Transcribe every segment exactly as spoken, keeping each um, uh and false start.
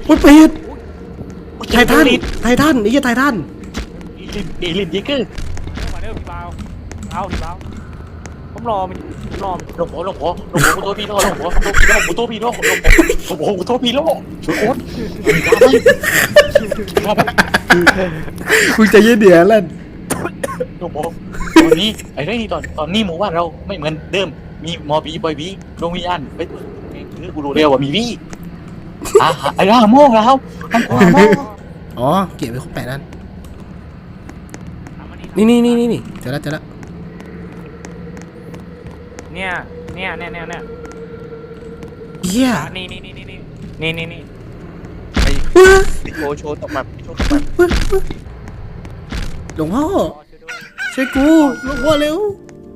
อุ้ยเป็ดไททันไททันไอ้เหี้ยไททันเอลินยิกเกอร์มาเด้อพี่เบาเอาพี่เบาผมรอมันรอหลงหัวหลงหัวหลงหัวกูโทษพี่โทษหลงหัวกูโทษพี่โทษหลงหัวกูโทษพี่โลกช่วยโอ๊ตมึงจะยืดเดือดแล้วหลงหัวตอนนี้ไอ้เรื่องนี้ตอนตอนนี้หมู่บ้านเราไม่เหมือนเดิมมีมอบีบอยบีโรงวิญญาณไปคือกูรู้เร็วว่ามีวี่อ่ะไอ้ร่าโม่งแล้วทั้งตัวโม่อ๋อเก็บไว้ครบแปดนั่นนี่นี่นี่นี่นี่เจอแล้วเจอแล้วเนี่ยเนี่ยเนี่ยเนี่ยเนี่ยเหี้ยนี่นี่นี่นี่นี่นี่นี่นี่โชว์โชว์ตบแบบโชว์ตบแบบหลวงพ่อช่วยกูหลวงพ่อเร็ว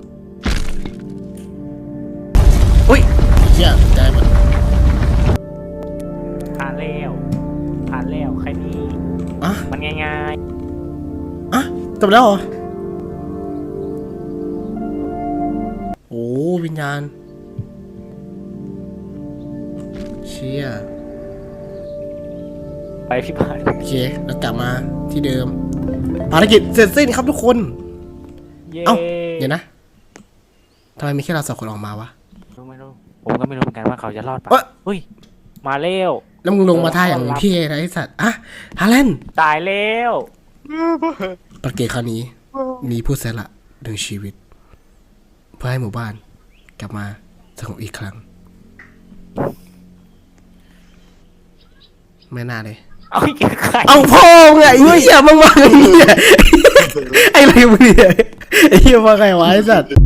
อุ้ยเหี้ยใจหมดผ่านแล้วผ่านแล้วใครนี่อ่ะมันง่ายๆอ่ะจบแล้วเหรอโอ้วิญญาณเชี่ยไปพี่ผ่านโอเคแล้วกลับมาที่เดิมภารกิจเสร็จสิ้นครับทุกคนเอ้าเดี๋ยวนะทำไมมีแค่เราสองคนออกมาวะรู้ไม่รู้ผมก็ไม่รู้เหมือนกันว่าเขาจะรอดปะเฮ้ยมาเร็วแล้วมึงลงมาท่าอย่างพี่นะไอ้สัตว์อ่ะฮาเลนตายแล้วประเกตคราวนี้มีผู้เสียสละดึงชีวิตเพื่อให้หมู่บ้านกลับมาสงบอีกครั้งไม่น่าเลยเอาอีกใครเอาพ่อไงไอ้เหี้ยมึงมาไอ้เหี้ยไอ้อะไรมึงเนี่ยไอ้เหี้ยมาไงวะไอ้สัตว์